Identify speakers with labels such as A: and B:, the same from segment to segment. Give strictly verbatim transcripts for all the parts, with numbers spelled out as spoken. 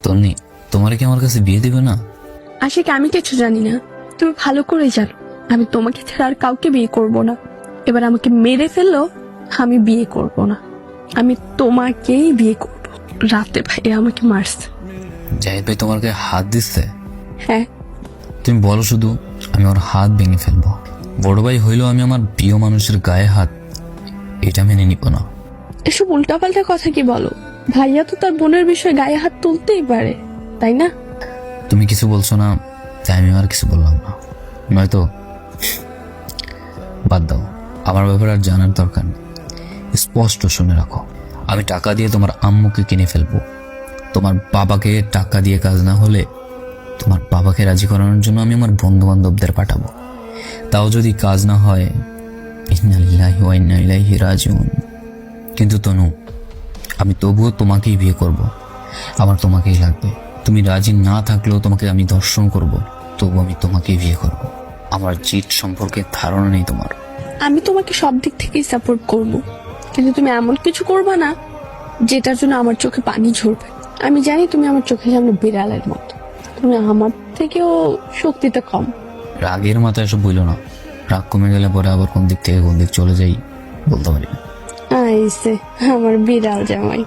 A: তন্নি, তোমার কি আমার কাছে বিয়ে দিবে না?
B: আশিক, আমি কিছু জানি না, তুমি ভালো করে জানো আমি তোমাকে ছাড়া আর কাউকে বিয়ে করব না। এবার আমাকে মেরে ফেললো, আমি বিয়ে করব না, আমি তোমাকেই বিয়ে করব। রাতে ভাই আমাকে মারছে।
A: জাহিদ ভাই তোমার গায়ে হাত দিচ্ছে?
B: হ্যাঁ,
A: তুমি বলো শুধু, আমি ওর হাত ভেঙে ফেলবো। বড় ভাই হইলেও আমি আমার প্রিয় মানুষের গায়ে হাত, এটা মেনে নিব না।
B: এসব উল্টাপাল্টা কথা কি বলো? ভাইয়া তো তার বোনের বিষয়ে গায়ে হাত তুলতেই পারে, তাই না?
A: তুমি কিছু বলছো না, তাই আমি আর কিছু বললাম না। নয়তো বাদ দাও, আমার ব্যাপারে আর জানার দরকার নেই। স্পষ্ট শুনে রাখো, আমি টাকা দিয়ে তোমার আম্মুকে কিনে ফেলবো। তোমার বাবাকে টাকা দিয়ে কাজ না হলে তোমার বাবাকে রাজি করানোর জন্য আমি আমার বন্ধু বান্ধবদের পাঠাবো। তাও যদি কাজ না হয়, ইন্না লিল্লাহি ওয়া ইন্না ইলাইহি রাজিউন। কিন্তু তনু, আমি তবুও তোমাকেই বিয়ে করব। আমার তোমাকেই লাগবে। তুমি রাজি না থাকলেও তোমাকে আমি দর্শন করব, তবু আমি তোমাকেই বিয়ে করব। আমার জিত সম্পর্কে ধারণা নেই তোমার।
B: আমি তোমাকে সব দিক থেকেই সাপোর্ট করব, কিন্তু তুমি এমন কিছু করবে না যেটার জন্য আমার চোখে পানি ঝরবে। আমি জানি তুমি আমার চোখের সামনে বিড়ালের মতো, তুমি আমার থেকেও শক্তিতে কম।
A: রাগের মাথায় এসব বইল না। রাগ কমে গেলে পরে আবার কোন দিক থেকে কোন দিক চলে যাই বলতে পারি না।
B: আইসে আমার বিড়াল জামাই,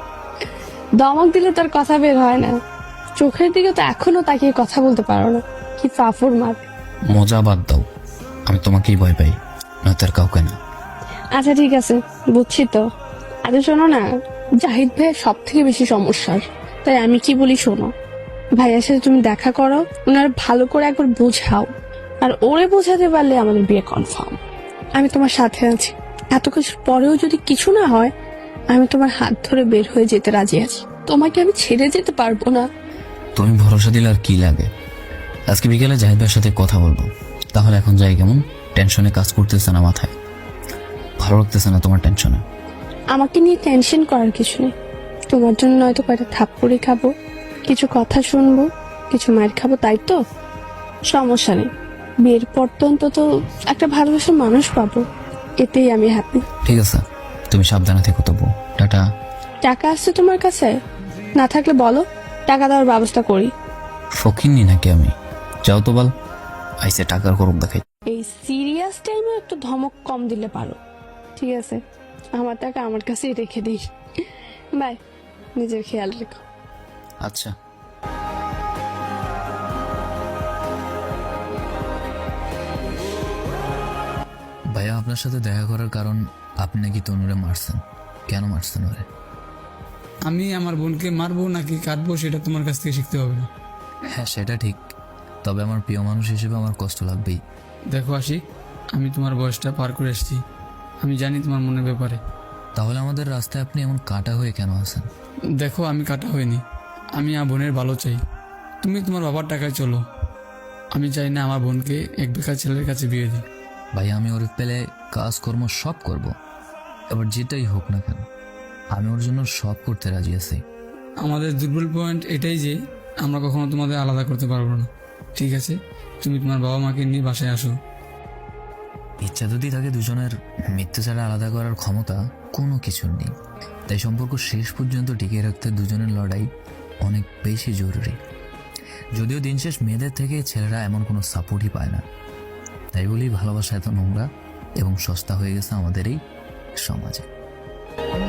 B: দমক দিলে তার কথা বের হয় না। চোখের দিকে তো এখনো তাকিয়ে কথা বলতে পারো না, কি ফাফুর মার।
A: মজা বাদ দাও, আমি তোমাকেই ভয় পাই, না তার কাউকে না।
B: আচ্ছা ঠিক আছে, বুঝছি তো। আরে শোনো না, জাহিদ ভাইয়ের সব থেকে বেশি সমস্যার, তাই আমি কি বলি শোনো। ভাইয়ার সাথে তুমি দেখা করো, ওনার ভালো করে একবার বোঝাও, আর ওরে বোঝাতে পারলে আমাদের বিয়ে কনফার্ম। আমি তোমার সাথে আছি, এত কিছুর পরেও যদি কিছু না হয়, আমি তোমার হাত ধরে বের হয়ে যেতে রাজি আছি। তোমাকে আমি ছেড়ে যেতে পারবো না।
A: তুমি ভরসা দিলে আর কি লাগে। আজকে বিকেলে জাহিদ ভাইয়ের সাথে কথা বলবো। তাহলে এখন যাই কেমন? টেনশনে কাজ করতেছে না মাথায়, ভালো লাগতেছে না তোমার টেনশনে।
B: আমাকে নিয়ে টেনশন করার কিছু নেই। তোমার জন্য নয়তো কয়টা থাপ্পড়ি খাবো, কিছু কথা শুনবো, কিছু মায়ের খাবো, তাই তো? সমস্যা নেই, বিয়ের পর তো অন্তত একটা ভালোবাসার মানুষ পাবো, এতেই আমি হ্যাপি।
A: ঠিক আছে, তুমি সাবধানে থেকো তবু। টাটা।
B: টাকা আসছে তোমার কাছে? না থাকলে বলো, টাকা দেওয়ার ব্যবস্থা করি।
A: ফকিন্নি নাকি আমি? যাও তো বল, আইসে টাকার করুক দেখাই।
B: এই সিরিয়াস টাইমে একটু ধমক কম দিলে পারো, ঠিক আছে? আমার টাকা আমার কাছেই রেখে দিই। বাই, নিজের খেয়াল রেখো।
A: আচ্ছা। ভাইয়া, আপনার সাথে দেখা করার কারণ, আপনি নাকি তনুরে মারছেন। কেন মারছেন ওরে?
C: আমি আমার বোনকে মারবো নাকি কাটবো সেটা তোমার কাছ থেকে শিখতে হবে না।
A: হ্যাঁ, সেটা ঠিক, তবে আমার প্রিয় মানুষ হিসেবে আমার কষ্ট লাগবেই।
C: দেখো আশিক, আমি তোমার বয়সটা পার করে এসেছি, আমি জানি তোমার মনের ব্যাপারে।
A: তাহলে আমাদের রাস্তায় আপনি এমন কাটা হয়ে কেন আছেন?
C: দেখো, আমি কাটা হইনি, আমি আমার বোনের ভালো চাই। তুমি তোমার বাবার টাকায় চলো, আমি চাই না আমার বোনকে এক বেকার ছেলের কাছে বিয়ে দিই।
A: ভাই, আমি ওর পেলে কাজকর্ম সব করব, এবার যেটাই হোক না কেন আমি ওর জন্য সব করতে রাজি আছি।
C: আমাদের দুর্বল পয়েন্ট এটাই যে আমরা কখনো তোমাদের আলাদা করতে পারবো না, ঠিক আছে? তুমি তোমার বাবা মাকে নিয়ে বাসায় আসো।
A: ইচ্ছা যদি থাকে দুজনের, মৃত্যু ছাড়া আলাদা করার ক্ষমতা কোনো কিছুর নেই। তাই সম্পর্ক শেষ পর্যন্ত টিকিয়ে রাখতে দুজনের লড়াই অনেক বেশি জরুরি। যদিও দিন শেষ মেয়েদের থেকে ছেলেরা এমন কোনো সাপোর্টই পায় না। তাই বলি ভালোবাসা এত নোংরা এবং সস্তা হয়ে গেছে আমাদের এই সমাজে।